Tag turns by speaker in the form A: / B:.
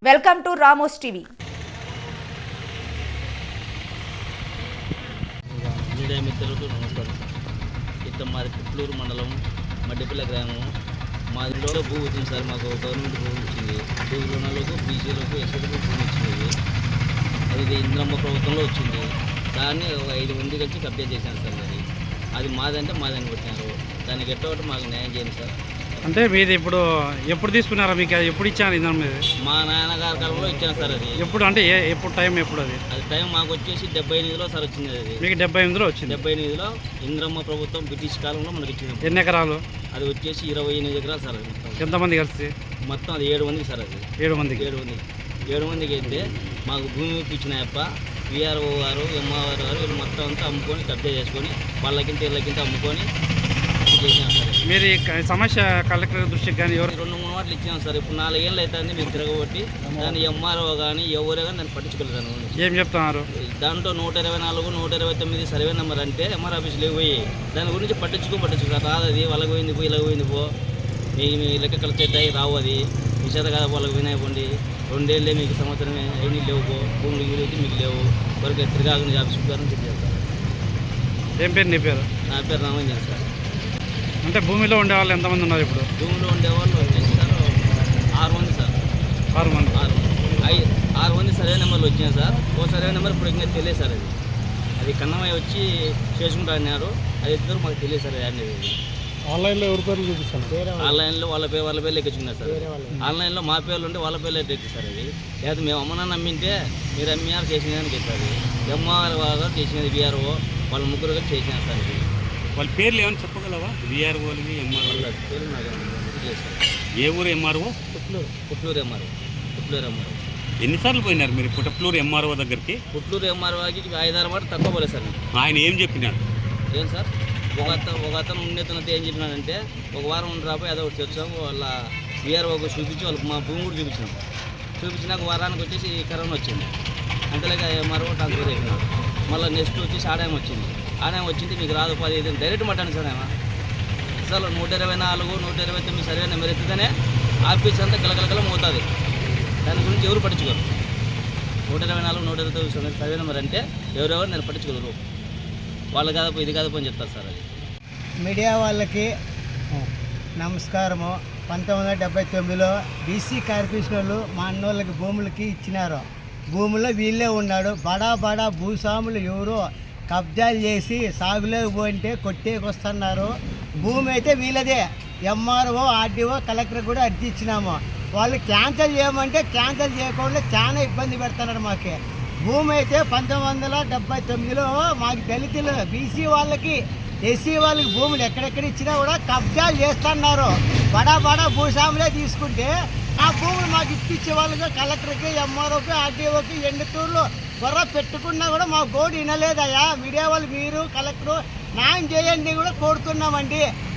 A: Welcome to Ramos TV.
B: Media మిత్రులకు నమస్కారం. ఇట్లా మాది పుట్లూరు మండలం మడ్డిపల్లి గ్రామం. మాదిలో భూ వచ్చింది సార్. మాకు గవర్నమెంట్ భూమి వచ్చింది. భూమిలోనలకు బీసీలకు ఎస్సీలకు భూమి వచ్చింది. అది ఇంద్రమ్మ ప్రభుత్వంలో వచ్చింది. దాన్ని ఒక 5 మంది కలిసి కబ్జా చేశాను సార్. అది మాదంటే మాదని కొట్టినారు. దానికి ఎట్టోటి మాకు న్యాయం చేయండి సార్.
C: అంటే మీది ఇప్పుడు ఎప్పుడు తీసుకున్నారా? మీకు ఎప్పుడు ఇచ్చాను ఇంధనం మీద?
B: మా నాన్నగారి కాలంలో ఇచ్చాను సార్. అది
C: ఎప్పుడు అంటే ఎప్పుడు టైం ఎప్పుడు? అది
B: టైం మాకు వచ్చేసి 78లో సార్ వచ్చింది. అది
C: మీకు 78లో వచ్చింది.
B: 78లో ఇంద్రమ్మ ప్రభుత్వం బ్రిటిష్ కాలంలో మనకి ఇచ్చింది.
C: ఎన్ని ఎకరాలు?
B: అది వచ్చేసి 28 ఎకరాలు సార్.
C: ఎంతమంది కలిసి?
B: మొత్తం అది 7 మందికి సార్. అది
C: 7 మందికి.
B: 7 మందికి అయితే మాకు భూమి ఇప్పించినాయప్ప. విఆర్ఓ గారు, ఎంఆర్ గారు వీళ్ళు మొత్తం అంతా అమ్ముకొని కబ్జా చేసుకొని వాళ్ళకింత వీళ్ళకింత అమ్ముకొని చేసినాం సార్.
C: మీరు ఈ సమస్య కలెక్టర్ దృష్టికి కానీ ఎవరు
B: 2-3 మాటలు ఇచ్చినాం సార్. ఇప్పుడు 4 ఏళ్ళు అవుతుంది మేము తిరగబట్టి. దాన్ని ఎంఆర్ఓ కానీ ఎవరే కానీ దాన్ని పట్టించుకోలేదు.
C: ఏం చెప్తున్నారు?
B: దాంట్లో 124, 129 సర్వే నెంబర్ అంటే ఎంఆర్ ఆఫీసులో పోయి దాని గురించి పట్టించుకో రాదు. అది వాళ్ళకి పోయింది పో, ఇలాగ పోయింది పో, మీ లెక్క కలిసేటాయి రావు. అది విషేత కదా వాళ్ళకి వినాయకండి. 2 ఏళ్ళే మీకు సంవత్సరమే అయినా లేవు పో, భూములు వీలైతే మీకు లేవు వరకు తిరగాలని ఆఫీస్ గారిని చెప్పారు సార్.
C: ఏం పేరు నీ పేరు?
B: నా పేరు రామంజన్ సార్.
C: అంటే భూమిలో ఉండే వాళ్ళు ఎంతమంది ఉన్నారు ఇప్పుడు?
B: భూమిలో ఉండేవాళ్ళు వచ్చేసి సార్ 6 మంది సార్.
C: 6 మంది.
B: 6 మంది సర్వే నెంబర్లు వచ్చినాయి సార్. ఓ సర్వే నెంబర్ ఇప్పుడు ఇంకా తెలియదు సార్. అది కన్నమయ్య వచ్చి చేసుకుంటా అన్నారు. అది ఇద్దరు మాకు తెలియదు సార్. అనేది
C: ఆన్లైన్లో ఎవరి పేర్లు చూపిస్తాను?
B: ఆన్లైన్లో వాళ్ళ పేర్లు ఎక్కించుకున్నారు సార్. ఆన్లైన్లో మా పేర్లు ఉంటే వాళ్ళ పేర్లు ఎక్కి సార్. అది లేదా మేము అమ్మనాన్ని నమ్మింటే మీరు ఎంఆర్ చేసినదని చెప్పారు. ఎంఆర్ వాళ్ళు చేసినది విఆర్ఓ వాళ్ళ ముగ్గురు కలిసి చేసినారు సార్. ఇది
D: వాళ్ళ పేర్లు ఏమైనా చెప్పగలవా? విఆర్ఓని, ఎంఆర్ఓ
B: పేరు నాకు తెలియదు సార్.
D: ఏ ఊరు ఎంఆర్ఓ?
B: పుట్లూరు ఎంఆర్ఓ.
D: ఎన్నిసార్లు పోయినారు మీరు పుట్లూరు ఎంఆర్ఓ దగ్గరికి?
B: పుట్లూరు ఎంఆర్ఓకి 5-6 మాట తక్కువ పోలేదు సార్.
D: ఆయన ఏం చెప్పినాడు?
B: ఏం సార్, ఒక అతను ఉండేతనంతా ఏం చెప్పినాడంటే ఒక వారం ఉండి రాబోయి అదో ఒకటి వచ్చాము. వాళ్ళ విఆర్ఓకి చూపించి వాళ్ళకి మా భూమి కూడా చూపించినాక వారానికి వచ్చేసి కరోనా వచ్చింది. అంతలేక ఎంఆర్ఓ ట్రాన్స్ఫర్ అయిపోయినాడు. మళ్ళీ నెక్స్ట్ వచ్చేసి ఆదాయం వచ్చింది. ఆదాయం వచ్చింది మీకు రాదు 15 డైరెక్ట్ మట్టాను సార్. ఏమో అసలు 124, 129 సర్వే నెంబర్ ఎత్తుతేనే ఆఫీస్ అంతా కలకలకల మోతుంది. దాని గురించి ఎవరు పట్టించుకోరు. 124, 129 సర్వే నెంబర్ అంటే ఎవరెవరు నేను పట్టించుకోరు. వాళ్ళు కాదపో ఇది కాదపో అని చెప్తారు సార్. అది
E: మీడియా వాళ్ళకి నమస్కారము. 1979లో బీసీ కార్పొరేషన్ వాళ్ళు మా అన్నోళ్ళకి భూములకి ఇచ్చినారు. భూముల్లో వీళ్ళే ఉన్నాడు. బడా భూస్వాములు ఎవరో కబ్జాలు చేసి సాగులోకి పోయింటే కొట్టేకొస్తున్నారు. భూమి అయితే వీళ్ళదే. ఎంఆర్ఓ, ఆర్డీఓ, కలెక్టర్ కూడా అర్జీ ఇచ్చినాము. వాళ్ళు క్యాన్సిల్ చేయమంటే క్యాన్సిల్ చేయకుండా చాలా ఇబ్బంది పెడుతున్నారు మాకు. భూమి అయితే 1979లో మాకు దళితులు, బీసీ వాళ్ళకి, ఎస్సీ వాళ్ళకి భూములు ఎక్కడెక్కడ ఇచ్చినా కూడా కబ్జాలు చేస్తున్నారు. బడా భూస్వాములే తీసుకుంటే ఆ భూములు మాకు ఇప్పించే వాళ్ళకి కలెక్టర్కి, ఎంఆర్ఓకి, ఆర్డీఓకి ఎండుతూరులో గొర్ర పెట్టుకున్నా కూడా మా గోడు వినలేదయ్యా. మీడియా వాళ్ళు మీరు కలెక్టర్ న్యాయం చేయండి కూడా కోరుతున్నామండి.